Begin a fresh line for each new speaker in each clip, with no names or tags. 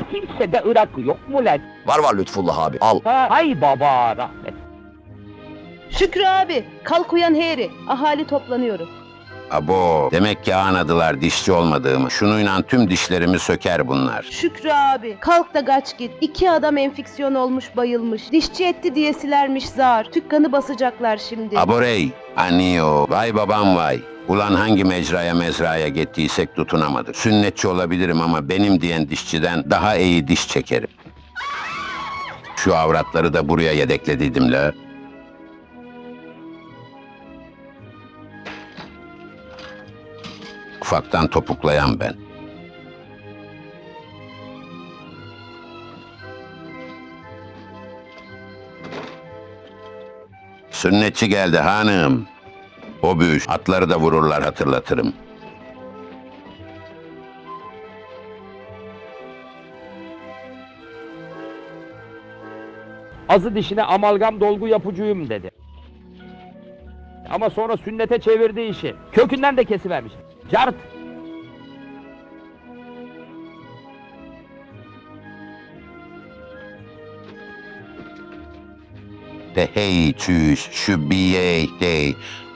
kimsede Irak'ı yok mu lan?
Var Lütfullah abi, al.
Ha, hay baba rahmet.
Şükrü abi, kalk uyan heri. Ahali toplanıyoruz.
Abo, demek ki anladılar dişçi olmadığımı. Şunuyla tüm dişlerimi söker bunlar.
Şükrü abi, kalk da kaç git. 2 adam enfeksiyon olmuş bayılmış. Dişçi etti diyesilermiş zar. Tükkanı basacaklar şimdi.
Aborey, aniyo, vay babam vay. Ulan hangi mecraya mezraya gittiysek tutunamadık. Sünnetçi olabilirim ama benim diyen dişçiden daha iyi diş çekerim. Şu avratları da buraya yedeklediydim la. Ufaktan topuklayan ben. Sünnetçi geldi hanım. O büyüş, atları da vururlar hatırlatırım.
Azı dişine amalgam dolgu yapıcıyım dedi. Ama sonra sünnete çevirdi işi. Kökünden de kesivermiş. Cart!
De hey çüş, şu biye dey.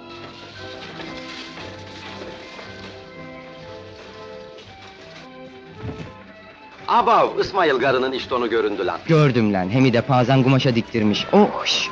Abav, İsmail garının iştonu göründü lan.
Gördüm lan, hem de pazan kumaşa diktirmiş. Oh! Şş.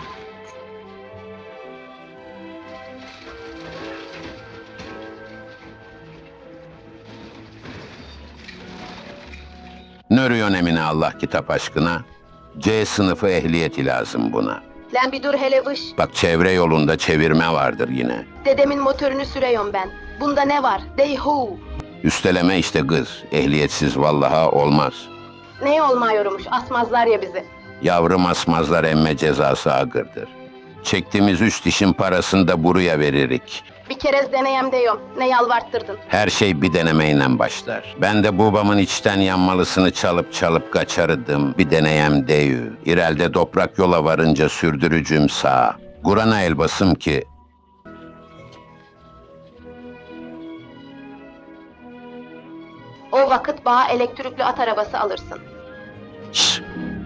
Nörüyon Emine Allah kitap aşkına. C sınıfı ehliyeti lazım buna.
Lan bir dur hele vış.
Bak çevre yolunda çevirme vardır yine.
Dedemin motorunu sürüyorum ben. Bunda ne var? Dey hu.
Üsteleme işte kız. Ehliyetsiz vallaha olmaz.
Ne olmuyormuş? Asmazlar ya bizi.
Yavrum asmazlar emme cezası ağırdır. Çektiğimiz üç dişin parasını da buraya veririk.
Bir kerez deneyem diyorum. Ne yalvarttırdın?
Her şey bir denemeyle başlar. Ben de babamın içten yanmalısını çalıp kaçarıdım. Bir deneyem deyü. İrelde toprak yola varınca sürdürücüm sağ. Kur'an'a el basım ki
O vakit bana elektrikli at arabası alırsın.
şş,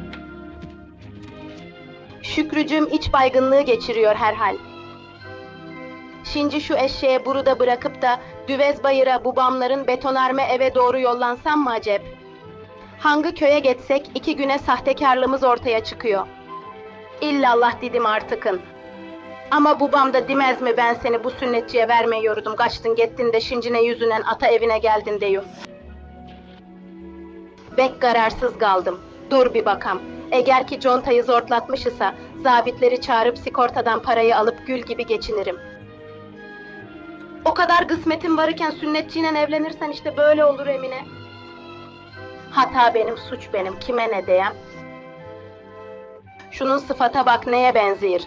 Şükrücüm iç baygınlığı geçiriyor herhal. Şimdi şu eşeğe burada bırakıp da Düvez Bayır'a babamların betonarme eve doğru yollansam mı acep? Hangi köye geçsek 2 güne sahtekarlığımız ortaya çıkıyor. İllallah dedim artıkın. Ama babam da demez mi ben seni bu sünnetçiye vermeyordum. Kaçtın gittin de şimdi ne yüzünden ata evine geldin diyor. Bek kararsız kaldım. Dur bir bakam. Eğer ki contayı zortlatmış ise zabitleri çağırıp sigortadan parayı alıp gül gibi geçinirim. O kadar kısmetim varken sünnetçiyle evlenirsen işte böyle olur Emine. Hata benim, suç benim. Kime ne diyem? Şunun sıfata bak neye benziyor.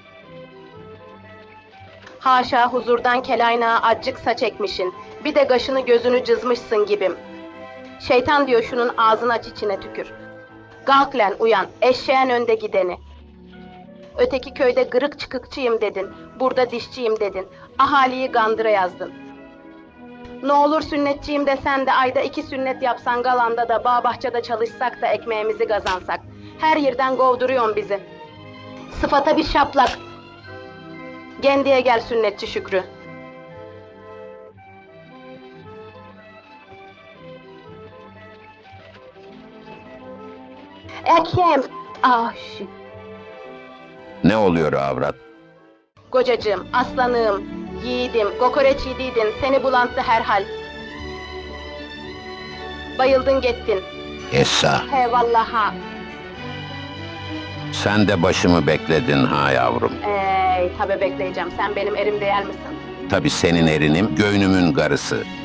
Haşa huzurdan kelaynağa acık saç ekmişin. Bir de kaşını gözünü cızmışsın gibim. Şeytan diyor şunun ağzını aç içine tükür. Kalk lan uyan, eşeğin önde gideni. Öteki köyde kırık çıkıkçıyım dedin, burada dişçiyim dedin, ahaliyi gandıra yazdın. Ne olur sünnetçiyim desen de ayda 2 sünnet yapsan galanda da bağ bahçede çalışsak da ekmeğimizi kazansak. Her yerden kovduruyorsun bizi. Sıfata bir şaplak. Gendiye gel sünnetçi Şükrü. Ekem. Ah shit.
ne oluyor avrat?
Kocacığım, aslanım, yiğidim, kokoreç yediydin, seni bulantı herhal. Bayıldın gittin.
Essa,
He vallaha.
sen de başımı bekledin ha yavrum.
Tabi bekleyeceğim, sen benim erim değer misin?
Tabii senin erinim, göynümün karısı.